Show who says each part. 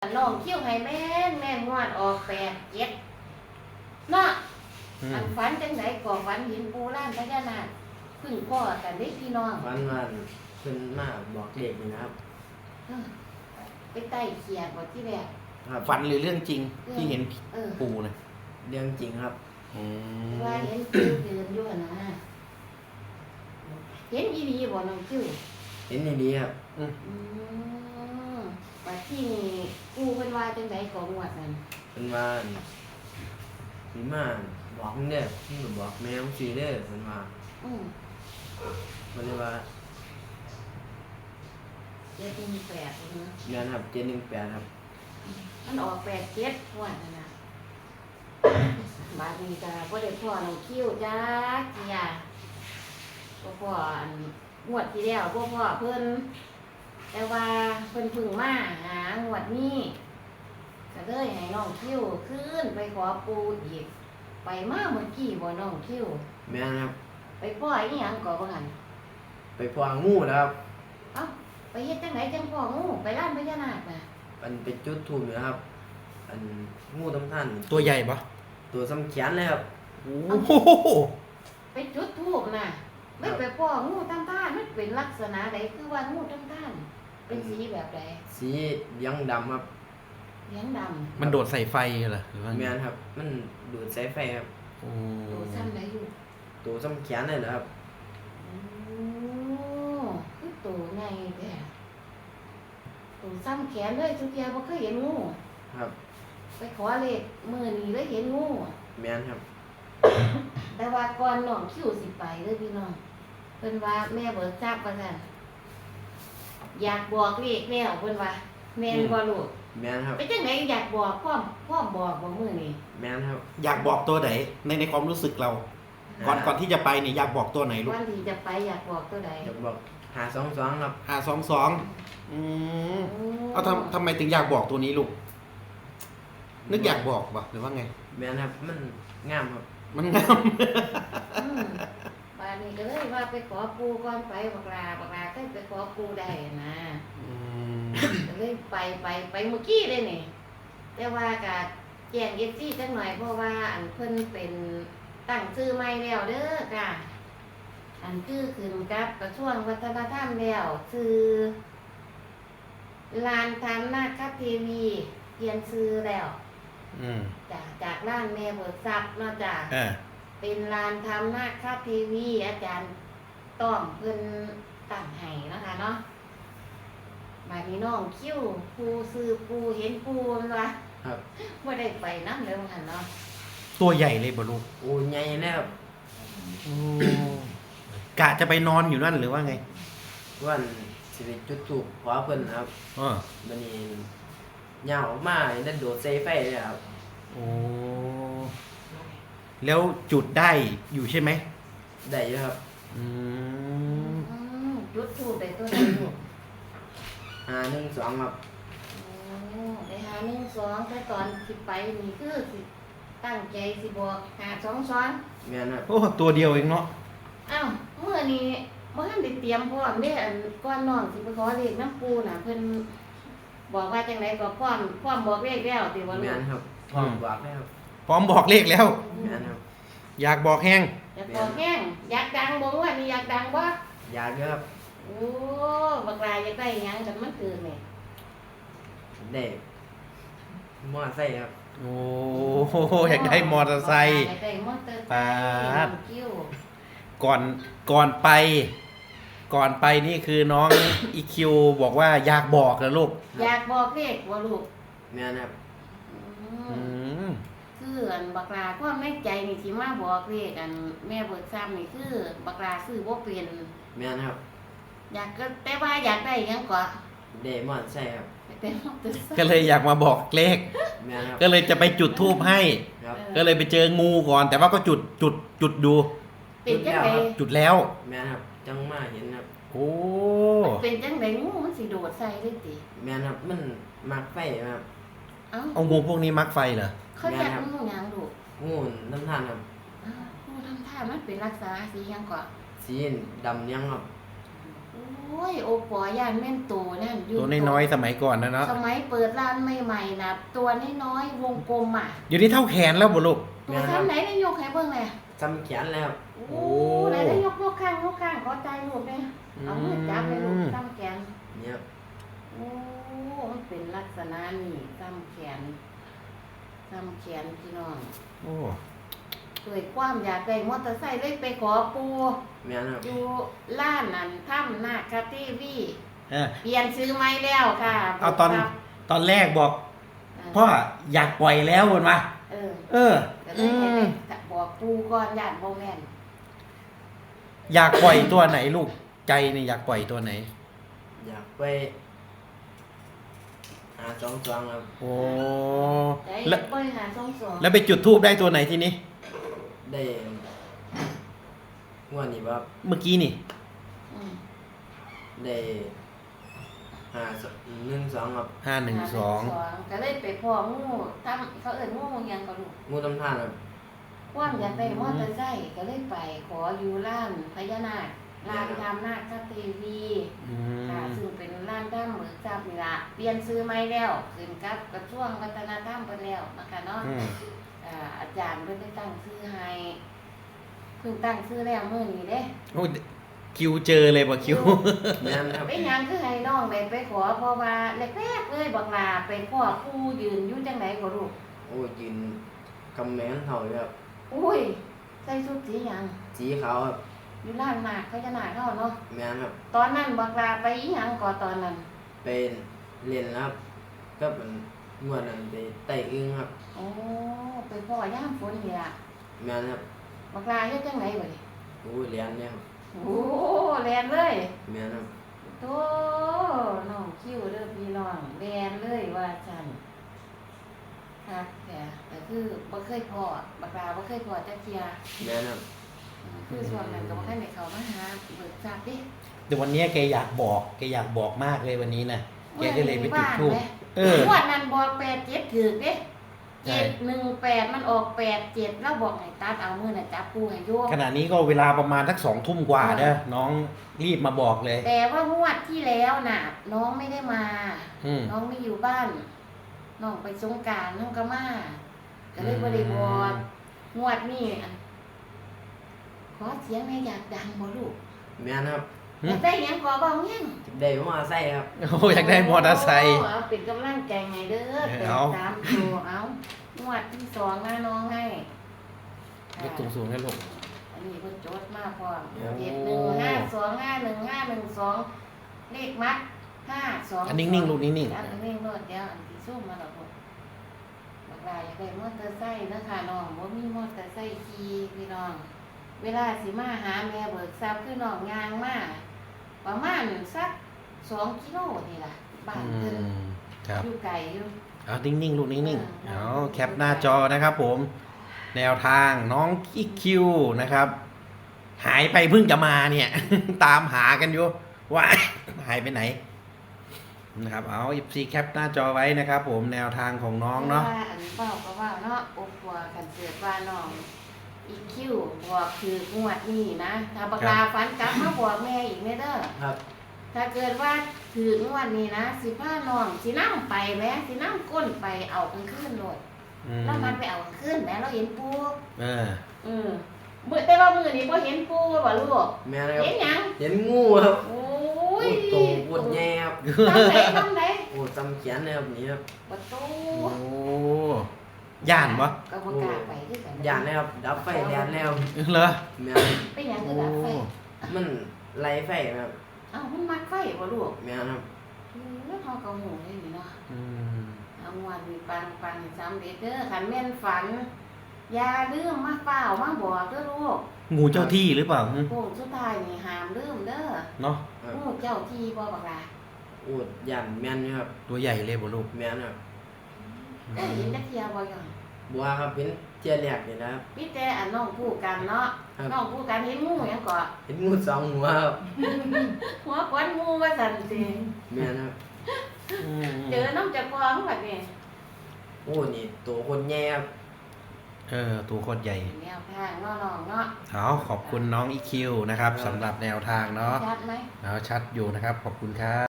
Speaker 1: น้องคิ้วให้แม่นแม่นงวดออก8 7เนาะอันฝันจังไดก่อฝันเห็นปูร่างพญานาคพึ่งพ่อกันได้พี่น้อง
Speaker 2: วันเพิ่นมาบอกเลขนี่นะครับ
Speaker 1: ไปไต่เขียดบ่ที่แรก
Speaker 2: ครับ
Speaker 3: ฝันหรือเรื่องจริงที่เห็น
Speaker 1: ปู
Speaker 3: ปูนะ
Speaker 2: เรื่องจริงครับ
Speaker 1: ว่าเห็นปูเดินอยู่หั่นนะเห็นอีหลีบ่น้องคิ้ว
Speaker 2: เห็นอย่างดีครับ
Speaker 1: ว่าที่นี่ปูเพิ่นว่าจังไดก่องวดนั้น
Speaker 2: เพิ่นว่าสิมาบอกมึงเด้อมึงก็บอกแม่มึงสิเด้อเพิ่นว่า
Speaker 1: อือ
Speaker 2: เพิ่นเลยว่า
Speaker 1: เจ็ดมี8เนาะ
Speaker 2: แม่นครับ718ครับ
Speaker 1: มันออก8 7งวดนั่นน่ะบาดนี้ก็บ่ได้พ่อน้องคิ้วจ้าเกียบ่พ่ออันงวดที่แล้วบ่พ่อเพิ่นแต่ว่าเพิ่นเพึ่งมาหางวดนี้ก็เลยให้น้องคิ้วขึ้นไปขอปูอีกไปมาเมื่อกี้บ่น้องคิ้ว
Speaker 2: แม่นครับ
Speaker 1: ไปพ่ออีหยังก่อบ่หั่น
Speaker 2: ไปพองูนะครับ
Speaker 1: เอ้าไปเฮ็ดจังไดจังพ่องูไปร้านพญานาคน่ะ
Speaker 2: อันไปจุดธูปนะครับ อันงูตำท่าน
Speaker 3: ตัวใหญ่ปะ
Speaker 2: ตัวซ้ำแขนเลยครับ
Speaker 3: โอ้โห
Speaker 1: ไปจุดธูปน่ะไม่ไปพ่องูตำท่านมันเป็นลักษณะใดคือว่างูตำท่านเป็นสีแบบใด
Speaker 2: สีเหลืองดำครับ
Speaker 1: เหลืองดำ
Speaker 3: มันโดดใส่ไฟเหรอหรือว่า
Speaker 2: แม่นครับ มันดูดสายไฟครับ
Speaker 3: โอ้
Speaker 1: โตซ้ำได้อยู่
Speaker 2: ตัวซ้ำแขนเลยเหรอครับ
Speaker 1: โอ้คือโตใหญ่แท้โตซ้ำแขนเลยทุกเที่ยบ่เคยเห็นงู
Speaker 2: ครับ
Speaker 1: ไปขอเลขมื้อนี้เลยเห็นงู
Speaker 2: แม่นครับ
Speaker 1: แต่ว่าก่อนน้องคิวสิไปเด้อพี่น้องเพิ่นว่าแม่เบิกทราบว่าซั่นอยากบอกเลขแล้วเพิ่นว่าแม่นบ่ลูก
Speaker 2: แม่นครับ
Speaker 1: ไปจังไดอยากบอกพร้อมบอกบ่มื้อนี้
Speaker 2: แม่นครับ
Speaker 3: อยากบอกตัวไหนในความรู้สึกเรา ก่อนที่จะไปเนี่ยอยากบอกตัวไหนลูก
Speaker 1: วันที่จะไปอยากบอกตัวใด
Speaker 2: อยากบอก522ครับ
Speaker 3: 522เอาทำไมถึงอยากบอกตัวนี้ลูกนึกอยากบอกปะหรือว่าไง
Speaker 2: แม่นครับ มันงามครับ
Speaker 3: มันงาม
Speaker 1: อืมป่านนี้ก็เลยว่าไปขอปูก่อนไปบักลาก็ไปขอปูได้นะก็เลยไปเมื่อกี้เลยนี่แต่ว่าก็แจ้ง FC จักหน่อยเพราะว่าอันเพิ่นเป็นตั้งชื่อใหม่แล้วเด้อค่ะอันคือขึ้นกับกระทรวงวัฒนธรรมแล้วชื่อลานธรรมนาคทีวีเปลี่ยนชื่อแล้วจากร้านแม่เบิกทรัพย์เนาะจ้ะเป็นลานธรรมนาคทีวีอาจารย์ต้อมเพิ่นตั้งให้นะคะเนาะมาพี่น้องคิ้วปูซื้อปูเห็นปูมันวะ
Speaker 2: ครับ
Speaker 1: บ่ได้ไปนำเลยว่าหั่นเนาะ
Speaker 3: ตัวใหญ่เลยบ่ลูก
Speaker 2: โอ้ใหญ่แล้วครับ
Speaker 3: กะจะไปนอนอยู่นั่นหรือว่าไง
Speaker 2: วันสิไปจุดธูปขอเพิ่นนะครับ บัดนี้ย่างออกมาได้โดดใส่ไฟเลยครับ
Speaker 3: โอ้แล้วจุดได้อยู่ใช่ไหม
Speaker 2: ได้อยู่ครับ
Speaker 1: จุดทูปได้ตัวใดลูก
Speaker 2: 512ครับ
Speaker 1: ได้หา1 2แต่ตอนสิไปนี่คือสิตั้งใจสิบอก5 2
Speaker 2: แม่นครับ
Speaker 3: โอ้ตัวเดียวเองเนาะ
Speaker 1: อ้าวเมื่อนี้บ่ทันได้เตรียมพร้อมเด้อันก่อนน้องสิไปขอเลขน้ำปูน่ะเพิ่นบอกว่าจังไดก็พร้อมบอกเลขแล้วติบ่ลู
Speaker 2: แม่
Speaker 1: ก
Speaker 2: นครับพร้อมบอกแล้วครับ
Speaker 3: พร้อมบอกเลขแล้ว
Speaker 2: แม่นครับ
Speaker 3: อยากบอกแห้ง
Speaker 1: อยากบอกแห้งอยากดังบ่ว่านี่อยากดังบ่
Speaker 2: อยากอยู่ครับ
Speaker 1: โอ้บักลาอยากได้หยังกันมันเกิดนี่
Speaker 2: ได้มอไซค์ครับ
Speaker 3: โอ้อยากได้มอเตอร์ไซค์
Speaker 1: อยากได้มอเตอร์ไซ
Speaker 3: ปาด
Speaker 1: ค์คิ้ว
Speaker 3: ก่อนไปนี่คือน้อง อีคิวบอกว่าอยากบอกนะลูก
Speaker 1: อยากบอกเลขบ่ลูก
Speaker 2: แม่นครับ
Speaker 1: อืมคืออันบักลาความในใจนี่ที่มาบอกเลขอันแม่เบิกซ้ำนี่คือบักลาซื้อบ่เป็น
Speaker 2: แม่นครับ
Speaker 1: อยากก็แต่ว่าอยากได้หยังก็
Speaker 2: ได้มอไซค์ครับ
Speaker 1: เป็นมอเตอร์ไซค์
Speaker 3: ก็เลยอยากมาบอกเลข
Speaker 2: แม่นครับ
Speaker 3: ก็เลยจะไปจุดธูปให้
Speaker 2: ครับ
Speaker 3: ก็เลยไปเจองูก่อน แต่ว่าก็จุดดู
Speaker 1: เป็นจังได
Speaker 3: จุดแล้ว
Speaker 2: แม่นครับจังมาเห็นครับ
Speaker 3: โอ้
Speaker 1: เป็นจังไดงูมันสิโดดใส่ได้ติ
Speaker 2: แม่นครับมันมักไฟครับ
Speaker 1: เอ้า
Speaker 3: เอางูพวกนี้มักไฟเหรอ
Speaker 1: เขาอยากงูหยังลูก
Speaker 2: งูน้ำท่านครับ
Speaker 1: อ้าวงูทำท่ามันเป็นลักษณะสีหยังก็
Speaker 2: สีดำยังครับ
Speaker 1: โอ้ยโอปอย่านแม่นโตนั่นอยู่
Speaker 3: ตัวน้อยๆสมัยก่อนนะเนาะ
Speaker 1: สมัยเปิดร้านใหม่ๆนะตัวน้อยๆวงกลมอ่ะ
Speaker 3: อยู่นี่เท่าแขนแล้วบ่ลูก
Speaker 1: ตัวซ้ำไหนได้ยกให้เบิ่งเลย
Speaker 2: จำแขนแล้วครับ
Speaker 1: โอ้ไหนได้ยกข้างขอใจลูกเนี่ยเอามือจับให้ลูกซ้ำแขน
Speaker 2: เนี่ยครับ
Speaker 1: โอ้มันเป็นลักษณะนี่ซ้ำแขนพี่น้อง
Speaker 3: โอ้
Speaker 1: เกิดความอยากได้มอเตอร์ไซค์เลยไปขอปู
Speaker 2: แม่นครับ
Speaker 1: อยู่ร้านนั้นถ้ำนาคาทีวี
Speaker 3: เออ
Speaker 1: เปลี่ยนซื้อไม้แล้วค่ะ
Speaker 3: เอาตอน
Speaker 1: ครับ
Speaker 3: ตอนแรกบอกพ่ออยากปล่อยแล้วบนมา
Speaker 1: เออ
Speaker 3: เออ
Speaker 1: ก็เลยให้ไปบอกปูก่อนญาติบ่แม่น
Speaker 3: อยากปล่อยตัวไหนลูกใจนี่อยากปล่อยตัวไหน
Speaker 2: อยากไปหาจองครับ
Speaker 3: โอ้
Speaker 1: ได้
Speaker 3: แล้ว
Speaker 1: บริหารส่งสอง
Speaker 3: แล้วไปจุดทูบได้ตัวไหนทีนี้
Speaker 2: ได้งวดนี้ว่า
Speaker 3: เมื่อกี้นี่
Speaker 1: อืม
Speaker 2: ได้1 2ครับ
Speaker 3: 512
Speaker 1: ก็เลยไปพ่องูทำเขาเอิ้นงูหยังก็ลูก
Speaker 2: งูตำท่านครับ
Speaker 1: ความอยากได้มอเตอร์ไซค์ก็เลยไปขออยู่ร้านพญานาคร้านทำนาคทีวี
Speaker 3: อื
Speaker 1: ค่ะ
Speaker 3: ม
Speaker 1: ซึ่งเป็นร้านด้ามเหมือนจับนี่ละเปลี่ยนซื้อไม้แล้วขึ้นกับกระทรวงวัฒนธรรมไปแล้วนะคะเนาะ
Speaker 3: อืม
Speaker 1: อาจารย์เพิ่นได้ตั้งชื่อให้เพิ่งตั้งชื่อแล้วมื้อนี้เด้
Speaker 3: โอ้คิวเจอเลยบ่คิว
Speaker 2: แม่นครับ
Speaker 1: เป็นหยังคือให้น้องได้ไปขอเพราะว่าแรกๆเลยบักลาไปพ่อผู้ยืนอยู่จังไดก็ลูก
Speaker 2: โอ้ยืนกำแมนเท่าอยู่ครับ
Speaker 1: อุ้ยใส่ชุดสีหยัง
Speaker 2: สีขาวครับ
Speaker 1: อยู่ร้านนาคพญานาคเฮาเนาะ
Speaker 2: แม่นครับ
Speaker 1: ตอนนั้นบักลาไปอีหยังก่อตอนนั้น
Speaker 2: เป็นเรียนครับก็เป็นงวดนั้นไปไต่อึ้งครับ
Speaker 1: โอ้ไปพ่อย่ามฝนนี่ล่ะ
Speaker 2: แม่นครับ
Speaker 1: บักลาเฮ็ดจังไดบัดนี้
Speaker 2: โอ้เรียนเนี่ยครับ
Speaker 1: โอ้แลนเลย
Speaker 2: แม่นครับ
Speaker 1: โตน้องคิวเด้อพี่น้องแลนเลยว่าฉันครับแต่คือบ่เคยพอบักลาบ่เคยพอจักเที่ย
Speaker 2: แม่นครับ
Speaker 1: คือส่วนนั้นก็บ่ทันได้เข้ามาหาเบิกทราบดิ
Speaker 3: แต่วันนี้แกอยากบอกมากเลยวันนี้นะแกก็เลยไปจุดธูป เออ
Speaker 1: งวดนั้นบอก87ถูกเด้
Speaker 3: ใช่
Speaker 1: 718มันออก87แล้วบอกให้ตัดเอามื้อน่ะจับปูให้อยู่
Speaker 3: ขณะนี้ก็เวลาประมาณสัก2 ทุ่มกว่าเด้อน้องรีบมาบอกเลย
Speaker 1: แต่ว่างวดที่แล้วน่ะ น้องไม่ได้มา
Speaker 3: อืม
Speaker 1: น้องไม่อยู่บ้านน้องไปสงกรานต์น้องก็มาก็เลยบ่ได้บอกงวดนี้อันขอเสียงแม่อยากดังบ่ลูก
Speaker 2: แม่นครับ
Speaker 1: อยากได้หยังขอบอกหยัง
Speaker 2: ได้มาใส่ครับ
Speaker 3: โอ้อยากได้มอเตอร์ไซค์
Speaker 1: เอาเป็นกำลังใจไงเด้อแต่
Speaker 3: เอา
Speaker 1: ตามตัวเอางวดที่2นะน้องให้
Speaker 3: ยกสูงๆให้ลูก
Speaker 1: อันนี้เพิ่นโจทย์มาพร้อม
Speaker 3: โอ้
Speaker 1: 715251512เลขมัด522
Speaker 3: อันนิ่งๆลูกนิ่ง
Speaker 1: อันนิ่งๆโลดเดี๋ยวอันที่ซูมมาแล้วลูกบักหลายอยากได้มอเตอร์ไซค์เด้อค่ะน้องบ่มีมอเตอร์ไซค์ขี่พี่น้อง เวลาสิมาหาแม่เบิกทรัพย์คือน้องย่างมาประมาณสัก2 กิโลนี่ล่ะ
Speaker 3: ๆ
Speaker 1: บ้านเพิ่น
Speaker 3: ครับ
Speaker 1: อยู่ไกลอยู่
Speaker 3: เอานิ่งๆลูกนิ่งๆ
Speaker 1: เออ
Speaker 3: เอาแคปหน้าจอนะครับผม แนวทางน้องอีคิวนะครับ หายไปเพิ่งจะมาเนี่ย ตามหากันอยู่ว่า หายไปไหนนะครับเอา14แคปหน้าจอไว้นะครับผมแนวทางของน้องเนาะ
Speaker 1: ว่าอันเว้าก็ว่าเนาะอบว่ากันเกิดว่าน้องอีคิวบอกคืองวดนี้นะถ้าบักลาฝันกลับมาบอกแม่อีกแม่เด้อ
Speaker 2: ครับ
Speaker 1: ถ้าเกิดว่าถึงวันนี้นะสิพาน้องสินั่งไปแม่สินั่งก้นไปเอากลางคืนโลด
Speaker 3: อืม
Speaker 1: แล้วมันไปเอากลางคืนแม่เราเห็นปู
Speaker 3: เออ
Speaker 1: มื้อแต่ว่ามื้อนี้บ่เห็นปูบ่ลูก
Speaker 2: แม่นครับ
Speaker 1: เห็นหยัง
Speaker 2: เห็นงูครับ
Speaker 1: โอ้
Speaker 2: โอ้
Speaker 1: ย
Speaker 2: โตปวดแย่ครับ
Speaker 1: ทำไหน
Speaker 2: โอ้จำแขนเลยครับนี่ครับ
Speaker 1: ประตู
Speaker 3: โอ้ย่านปะ
Speaker 1: ก็บ่กล้าไปคือกัน
Speaker 2: ย่านเลยครับดับไฟแดนแล้ว
Speaker 3: เหรอ
Speaker 2: แม่น
Speaker 1: เป็นหยังคื
Speaker 3: โอ้
Speaker 1: อดับไฟ
Speaker 2: มันไล่ไฟครับ
Speaker 1: เอ้ามันมักไฟบ่ลูก
Speaker 2: แม่นครับ
Speaker 1: แล้วเฮาก็หูได้นี่เนาะ
Speaker 3: อืม
Speaker 1: เอางวดนี้ปังๆสำเร็จเด้อคันแม่นฝันอย่าลืมมาเปล่ามาบอกเด้อลูก
Speaker 3: งูเจ้าที่หรือเปล่าหึ
Speaker 1: โค้งสุดท้ายนี่ห้ามลืมเด้อ
Speaker 3: เนาะ
Speaker 2: ครับ
Speaker 1: งูเจ้าที่บ่บักล่ะ
Speaker 2: โอ้ย่านแม่นอยู่ครับ
Speaker 3: ตัวใหญ่เลยบ่ลูก
Speaker 2: แม่นครับ
Speaker 1: ได้เห็นจักเที่ยบ่ยัง
Speaker 2: บัวครับเป็นเจี๊ยแรกนี่นะครับ
Speaker 1: พี่แต่อันน้องคู่กันเนาะ
Speaker 2: ครับ
Speaker 1: น้องคู่กันเห็นงูหยังก็
Speaker 2: เห็นงู2 หัวครับ
Speaker 1: หัวควันงูว่าซั่นสิ
Speaker 2: แม่นครับ
Speaker 3: อืม
Speaker 1: เจอน้องเจ้าของบัดนี้
Speaker 2: โอ้นี่ตัวคนแย่ครับ
Speaker 3: อตัวโคตรใหญ่
Speaker 1: แนวทางเนาะน้องเนาะ
Speaker 3: เอาขอบคุณน้องอีคิวนะครับสำหรับแนวทางเนาะ
Speaker 1: ชัดไหม
Speaker 3: เอาชัดอยู่นะครับขอบคุณครับ